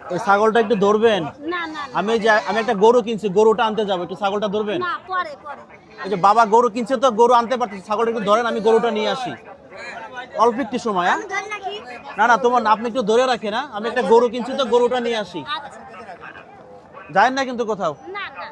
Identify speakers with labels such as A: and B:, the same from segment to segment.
A: এই ছাগলটা একটু ধরবেন?
B: না না
A: আমি একটা গরু কিনছি, গরুটা আনতে যাবো, একটু ছাগলটা ধরবেন?
B: না, পরে পরে।
A: এই যে বাবা গরু কিনছে তো, গরু আনতে পারতেছে, ছাগলটা একটু ধরেন, আমি গরুটা নিয়ে আসি। অল্প একটু সময়। হ্যাঁ,
B: ধরে রাখি।
A: না না তোমার না, আপনি একটু ধরে রাখেন। না, আমি একটা গরু কিনছি তো, গরুটা নিয়ে আসি।
B: আচ্ছা।
A: যায়েন না কিন্তু কোথাও।
B: না না।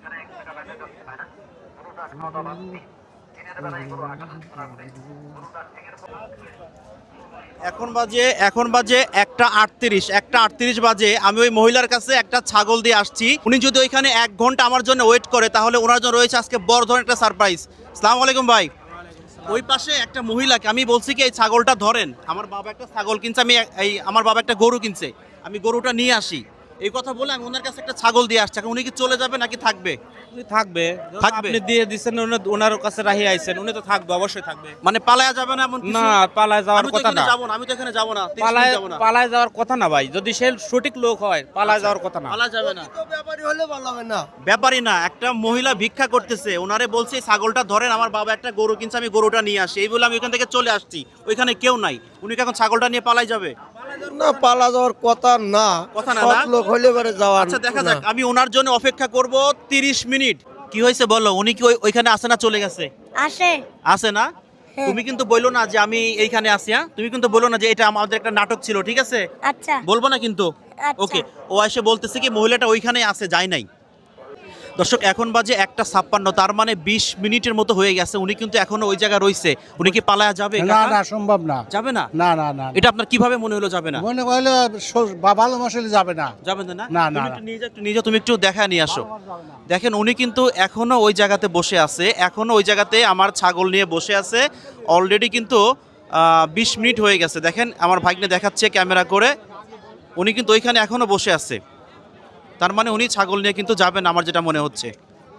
A: এখন বাজে 1:38 বাজে। আমি ওই মহিলার কাছে একটা ছাগল দিয়ে আসছি। উনি যদি ওইখানে 1 ঘন্টা আমার জন্য ওয়েট করে, তাহলে ওনার জন্য রয়েছে আজকে বড় ধরনের একটা সারপ্রাইজ। আসসালামু আলাইকুম ভাই। ওই পাশে একটা মহিলাকে আমি বলছি কি এই ছাগলটা ধরেন, আমার বাবা একটা ছাগল কিনছে, আমার বাবা একটা গরু কিনছে, আমি গরুটা নিয়ে আসি। এই কথা বলে আমি ওনার কাছে একটা ছাগল দিয়ে আসছি। এখন উনি কি চলে যাবে নাকি থাকবে?
C: থাকবে।
A: থাকবে।
C: আপনি দিয়ে দিচ্ছেন, ওনার কাছে রাহি আইছেন, উনি তো থাকবে, অবশ্যই থাকবে।
A: মানে পালায়া যাবে না এমন কিছু?
C: না, পালায় যাওয়ার
A: আমি তো
C: কথা
A: এখানে
C: না।
A: যাবো না, আমি তো এখানে যাবো না, 30
C: পালায়
A: মিনিট যাবো না।
C: পালায় যাওয়ার কথা না ভাই, যদি সে সঠিক লোক হয় পালায় যাওয়ার কথা না।
A: পালা যাবে না।
D: ব্যাপারী হলে পালাবে না।
A: ব্যাপারই না, একটা মহিলা ভিক্ষা করতেছে, ওনারে বলছে এই ছাগলটা ধরেন, আমার বাবা একটা গরু কিনছে, আমি গরুটা নিয়ে আসি। এই বলে আমি ওইখান থেকে চলে আসছি, ওইখানে কেউ নাই। উনি কি এখন ছাগলটা নিয়ে পালাই যাবে?
D: না, পালা যাওয়ার কথা না।
A: কথা না,
D: সৎ
A: না?
D: লোক হলে পরে যাওয়ার।
A: আচ্ছা দেখা যাক, আমি ওনার জন্য অপেক্ষা করব 30 মিনিট। কি হয়েছে বলো, উনি কি ওইখানে আসে না চলে গেছে?
B: আসে।
A: আসে না? তুমি কিন্তু বললো না যে আমি এইখানে আসি। হ্যাঁ, তুমি কিন্তু বললো না যে এটা আমাদের একটা নাটক ছিল, ঠিক আছে?
B: আচ্ছা।
A: বলবো না কিন্তু।
B: আচ্ছা।
A: ওকে, ও এসে বলতেছে কি মহিলাটা ওইখানে আছে, যায় নাই। দর্শক, এখন বাজে 1:56, তার মানে 20 মিনিটের মতো হয়ে গেছে। উনি কিন্তু এখনো ওই জায়গায় রইছে। উনি কি পালায়া যাবে?
E: না
A: কাকা?
E: না, সম্ভব না।
A: যাবে না?
E: না না না,
A: এটা আপনার কিভাবে মনে হলো যাবে না?
E: মনে করলে ভালো মশলে যাবে না।
A: যাবে না?
E: না,
A: তুমি
E: না,
A: একটু নিয়ে যাও, তুমি একটু দেখা নিয়ে আসো। দেখেন উনি কিন্তু এখনো ওই জায়গাতে বসে আছে, এখনো ওই জায়গাতে আমার ছাগল নিয়ে বসে আছে। অলরেডি কিন্তু 20 মিনিট হয়ে গেছে। দেখেন আমার ভাগ্নে দেখাচ্ছে ক্যামেরা করে, উনি কিন্তু ওইখানে এখনো বসে আছে। তার মানে উনি ছাগল নিয়ে কিন্তু যাবেন, আমার যেটা মনে হচ্ছে।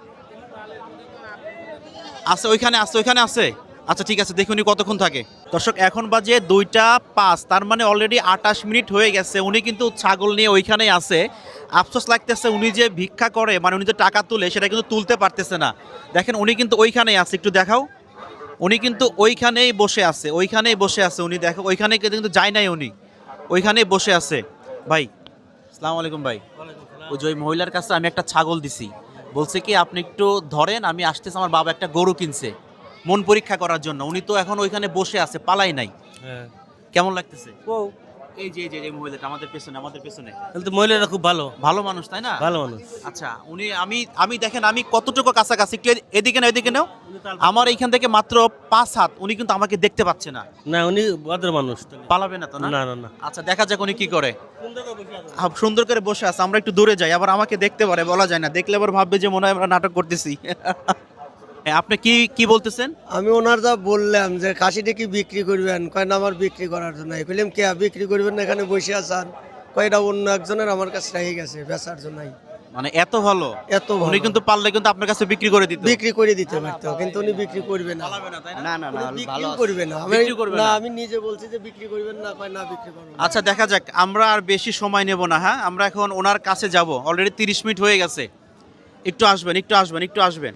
A: আছে ওইখানে আছে। আচ্ছা ঠিক আছে, দেখি উনি কতক্ষণ থাকে। দর্শক, এখন বাজে 2:05, তার মানে অলরেডি 28 মিনিট হয়ে গেছে। উনি কিন্তু ছাগল নিয়ে ওইখানেই আছে। আফসোস লাগতেছে, উনি যে ভিক্ষা করে, মানে উনি যে টাকা তুলে, সেটা কিন্তু তুলতে পারতেছে না। দেখেন উনি কিন্তু ওইখানেই আছে, একটু দেখাও। উনি কিন্তু ওইখানেই বসে আছে। উনি দেখো ওইখানে কিন্তু যায় নাই, উনি ওইখানেই বসে আছে। ভাই, আসসালামু আলাইকুম ভাই। ওই যে ওই মহিলার কাছে আমি একটা ছাগল দিছি, বলছে কি আপনি একটু ধরেন, আমি আসতেছি, আমার বাবা একটা গরু কিনছে মন পরীক্ষা করার জন্য। উনি তো এখন ওইখানে বসে আছে, পালাই নাই। কেমন লাগতেছে? এই যে মহিলাটা আমাদের পেছনে
F: কিন্তু মহিলারা খুব ভালো
A: ভালো মানুষ, তাই না?
F: ভালো মানুষ।
A: আচ্ছা, আমি দেখেন আমি কতটুকু কাছাকাছি, একটু এদিকে নাও। আমার এইখান থেকে মাত্র 5 হাত, উনি কিন্তু আমাকে দেখতে পাচ্ছে না।
F: না, উনি ভদ্র মানুষ।
A: পালাবে না তো? না
F: না না না।
A: আচ্ছা, দেখা যাক উনি কি করে। সুন্দর করে বসে আছে, আমরা একটু দূরে যাই, আবার আমাকে দেখতে পারে, বলা যায় না, দেখলে আবার ভাববে যে মনে হয় আমরা নাটক করতেছি। আপনি কি বলতেছেন?
D: আমি ওনার যা বললাম যে খাসিটা কি বিক্রি করবেন, কয় না আমার বিক্রি করার জন্য। কইলাম কে বিক্রি করবেন না, এখানে বসে আছেন? কয়টা অন্য একজনের আমার কাছে রেখে গেছে বেচার জন্য।
A: মানে এত ভালো?
D: এত ভালো।
A: উনি কিন্তু পারলে কিন্তু আপনার কাছে বিক্রি করে দিত।
D: বিক্রি করে দিতে পারতো, কিন্তু উনি বিক্রি করবে না।
A: না না না,
D: বিক্রিও করবে না।
A: বিক্রি করবে না।
D: আমি নিজে বলছি যে বিক্রি করবেন না, কয় না বিক্রি করবো না।
A: আচ্ছা দেখা যাক, আমরা আর বেশি সময় নেব না। হ্যাঁ, আমরা এখন ওনার কাছে যাব, অলরেডি 30 মিনিট হয়ে গেছে। একটু আসবেন।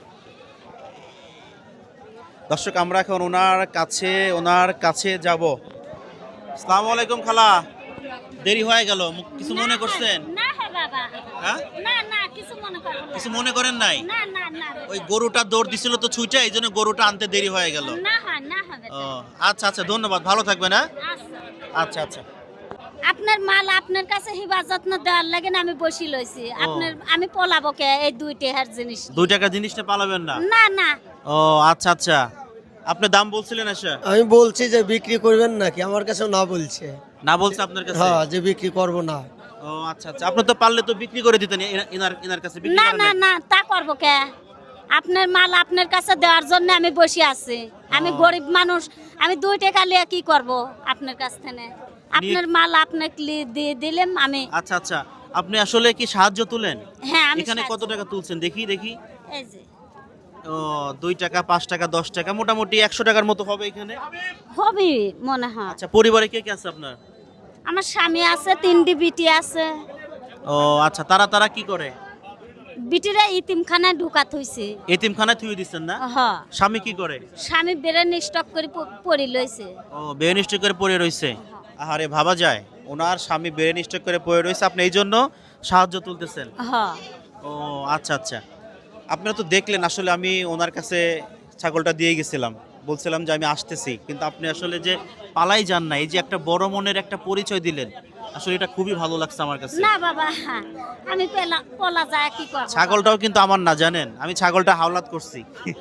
A: দর্শক, আমরা এখন ওনার কাছে যাব। আসসালামু আলাইকুম খালা, দেরি হয়ে গেল, কিছু মনে করছেন?
B: না হে বাবা।
A: হ্যাঁ,
B: না কিছু মনে করো না।
A: কিছু মনে করেন নাই?
B: না।
A: ওই গরুটা দৌড় দিছিল তো ছুটে, এই জন্য গরুটা আনতে দেরি হয়ে গেল।
B: না হবে।
A: ও আচ্ছা, ধন্যবাদ, ভালো থাকবেন। হ্যাঁ, আচ্ছা।
B: আপনার মাল আপনার কাছে হিফাজত যত্ন দেওয়ার লাগে না, আমি বসি লইছি। আমি পলাবো কে এই 2 টাকার জিনিস?
A: 2 টাকা জিনিসটা পালাবেন না?
B: না।
A: ও আচ্ছা, আপনি দাম বলছিলেন? আচ্ছা,
D: আমি বলছি যে বিক্রি করবেন নাকি, আমার কাছেও না বলছে।
A: না বলছে আপনার কাছে?
D: হ্যাঁ, যে বিক্রি করব না।
A: ও আচ্ছা, আপনি তো পারলে তো বিক্রি করে দিতেন এনার কাছে। বিক্রি করেন নাই?
B: না তা করবো কে? আপনার মাল আপনার কাছে দেওয়ার জন্য আমি বসে আছি। আমি গরিব মানুষ, আমি 2 টাকা লিয়ে কি করব আপনার কাছ থেকে? আপনার মাল আপনাকে দিয়ে দিলাম আমি।
A: আচ্ছা, আপনি আসলে কি সাহায্য তুলেন?
B: হ্যাঁ, আমি
A: এখানে কত
B: সাহায্য-
A: টাকা তুলছেন দেখি?
B: এই যে
A: ও 2 টাকা, 5 টাকা, 10 টাকা, মোটামুটি 100 টাকার মতো হবে এখানে।
B: হবে মনে হয়।
A: আচ্ছা, পরিবারে কে আছে আপনার?
B: আমার স্বামী আছে, 3টি বিটি আছে।
A: ও আচ্ছা, তারা কি করে?
B: বিটিরা ইতিমখানায় ঢুকাত হইছে।
A: এতিমখানায় থুয়ে দিচ্ছেন না?
B: হ্যাঁ,
A: স্বামী কি করে?
B: স্বামী বেরেন স্টক করে পড়ি লইছে।
A: ও বেনিষ্ঠ করে পড়ে রইছে। আহারে, ভাবা যায় ওনার স্বামী ব্রেন স্ট্রোক করে পড়ে রয়েছে, আপনি এই জন্য সাহায্য তুলতেছেন।
B: হ
A: ও আচ্ছা আচ্ছা, আপনারা তো দেখলেন আসলে আমি ওনার কাছে ছাগলটা দিয়ে গেছিলাম, বলছিলাম যে আমি আসতেছি, কিন্তু আপনি আসলে যে পালাই যান না, এই যে একটা বড় মনের একটা পরিচয় দিলেন, আসলে এটা খুবই ভালো লাগছে আমার কাছে।
B: না বাবা, আমি পলা যায় কি করব?
A: ছাগলটাও কিন্তু আমার না, জানেন, আমি ছাগলটা হাওলাত করছি।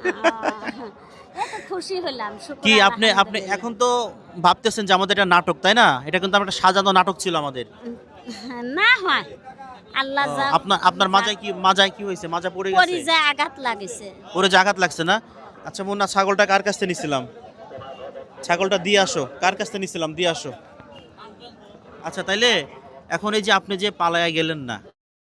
B: এত খুশি হলাম। শুকর
A: কি আপনি আপনি
B: আলহামদুলিল্লাহ।
A: এখন তো ভাবতেছেন যে আমাদের এটা নাটক, তাই না? এটা কিন্তু আমার একটা সাজানো নাটক ছিল আমাদের।
B: না হয় আল্লাহ যা
A: আপনার আপনার মাজায় কি হয়েছে? মাজা পড়ে
B: পরি
A: গেছে,
B: যায় আঘাত লাগেছে।
A: পরে যে আঘাত লাগছে না? আচ্ছা মুন্না, ছাগলটা কার কাছ থেকে নিছিলাম? ছাগলটা দিয়ে আসো, কার কাছ থেকে নিছিলাম দিয়ে আসো। আচ্ছা তাইলে এখন এই যে আপনি যে পালায়া গেলেন না,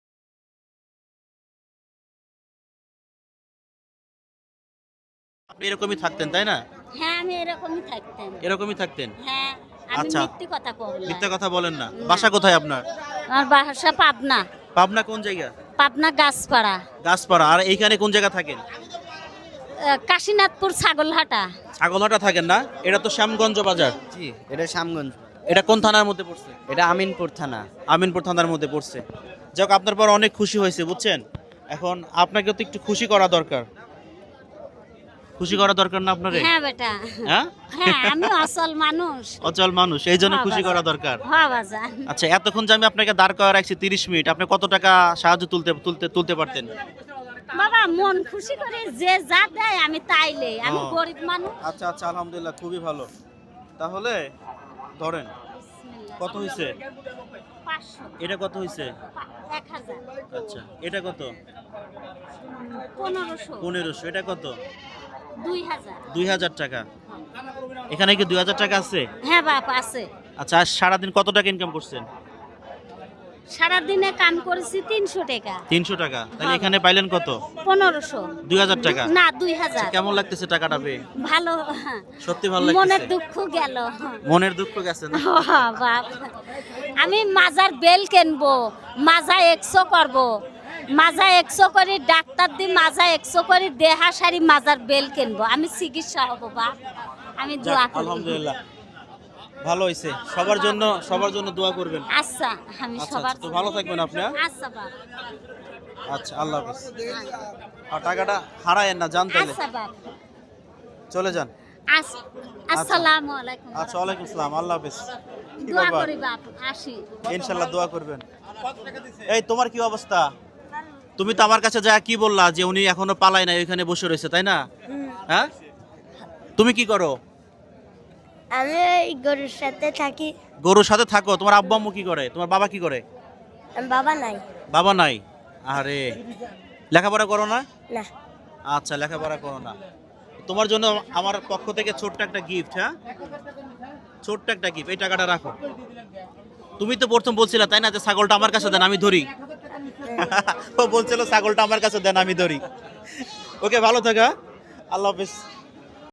A: আপনি এরকমই থাকতেন তাই না?
B: হ্যাঁ আমি এরকমই থাকতাম।
A: এরকমই থাকতেন?
B: হ্যাঁ আমি
A: আচ্ছা।
B: মিথ্যে কথা বললাম।
A: মিথ্যা কথা বলেন না। বাসা কোথায় আপনার?
B: আমার বাসা পাবনা।
A: পাবনা কোন জায়গা?
B: পাবনা গাছপাড়া,
A: গাছপাড়া। আর এইখানে কোন জায়গা থাকেন?
B: কাশীনাথপুর ছাগলহাটা।
A: ছাগলহাটা থাকেন না? এটা তো শ্যামগঞ্জ বাজার।
G: জি, এটা শ্যামগঞ্জ।
A: এটা কোন থানার মধ্যে পড়ছে?
G: এটা আমিনপুর থানা।
A: আমিনপুর থানার মধ্যে পড়ছে। যাক, আপনার পর অনেক খুশি হয়েছে বুঝছেন। এখন আপনাকে তো একটু খুশি করা দরকার। খুশি করা দরকার না আপনারে?
B: হ্যাঁ বেটা,
A: হ্যাঁ,
B: হ্যাঁ আমি অসল মানুষ।
A: অচল মানুষ, এই জন্য
B: হ্যাঁ,
A: খুশি
B: বাজান।
A: করা দরকার।
B: হ্যাঁ বাজান।
A: আচ্ছা, এতক্ষণ যে আমি আপনাকে দাঁড় করা রাখছি 30 মিনিট, আপনি কত টাকা সাহায্য তুলতে পারতেন?
B: বাবা মন খুশি করে যে যা দেয় আমি তাইলে, আমি
A: ও।
B: গরিব মানুষ।
A: আচ্ছা আচ্ছা, আলহামদুলিল্লাহ, খুবই ভালো। তাহলে ধরেন কত হয়েছে?
B: 500,
A: এটা কত হয়েছে?
B: 1000,
A: আচ্ছা, এটা কত?
B: 1500,
A: 1500। এটা কত?
B: 2000।
A: 2000 টাকা। এখানে কি 2000 টাকা আছে?
B: হ্যাঁ বাপ আছে।
A: আচ্ছা, আজ সারাদিন কত টাকা ইনকাম করছেন?
B: সারাদিনে কাম করেছি 300 টাকা।
A: 300 টাকা। তাহলে
B: হ্যাঁ।
A: এখানে পাইলেন কত?
B: 1500।
A: 2000 টাকা।
B: না 2000।
A: কেমন লাগতেছে টাকাটা পেয়ে?
B: ভালো।
A: সত্যি ভালো
B: মনের
A: লাগতেছে?
B: দুঃখ গেল।
A: মনের দুঃখ গেছে না?
B: বাপ, আমি মাজার বেল কিনবো, মাজা 100 করব, মাজা 100 করে ডাক্তার দি, মাজা 100 করে দেহা সারি মাজার বেল কিনবো, আমি চিকিৎসা হব বাপ, আমি দোয়া
A: যাক,
B: করি।
A: আলহামদুলিল্লাহ, ভালো হয়েছে। সবার জন্য দোয়া করবেন।
B: আচ্ছা আমি
A: আচ্ছা
B: সবার
A: আচ্ছা, তো ভালো থাকবেন আপনি। হ্যাঁ?
B: আচ্ছা বাপ,
A: আচ্ছা, আল্লাহ হাফেজ। আর টাকাটা হারায়েন না, জান তাইলে
B: আচ্ছা বাপ,
A: চলে যান।
B: আসসালামু আলাইকুম।
A: আচ্ছা, ওয়ালাইকুম আসসালাম, আল্লাহ হাফেজ। কি
B: দোয়া
A: ব্যাপার?
B: করি বাপ, আসি।
A: ইনশাল্লাহ দোয়া করবেন। এই তোমার কি অবস্থা? তুমি তো আমার কাছে যা কি বললা যে উনি এখনো পালায় না, ওইখানে বসে রয়েছে, তাই না? হ্যাঁ, তুমি কি করো?
H: আমি ওই গরুর সাথে থাকি।
A: গরুর সাথে থাকো। তোমার আব্বু আম্মু কি করে? তোমার বাবা কি করে?
H: বাবা নাই।
A: বাবা নাই? আরে, লেখাপড়া করো না?
H: না।
A: আচ্ছা, লেখাপড়া করো না। তোমার জন্য আমার পক্ষ থেকে ছোট্ট একটা গিফট। হ্যাঁ, ছোট্ট একটা গিফট। এই টাকাটা রাখো। তুমি তো প্রথম বলছিলা তাই না যে ছাগলটা আমার কাছে দেন আমি ধরি। ও বলছিল ছাগলটা আমার কাছে দেন আমি ধরি। ওকে, ভালো থাকা, আল্লাহ হাফেজ।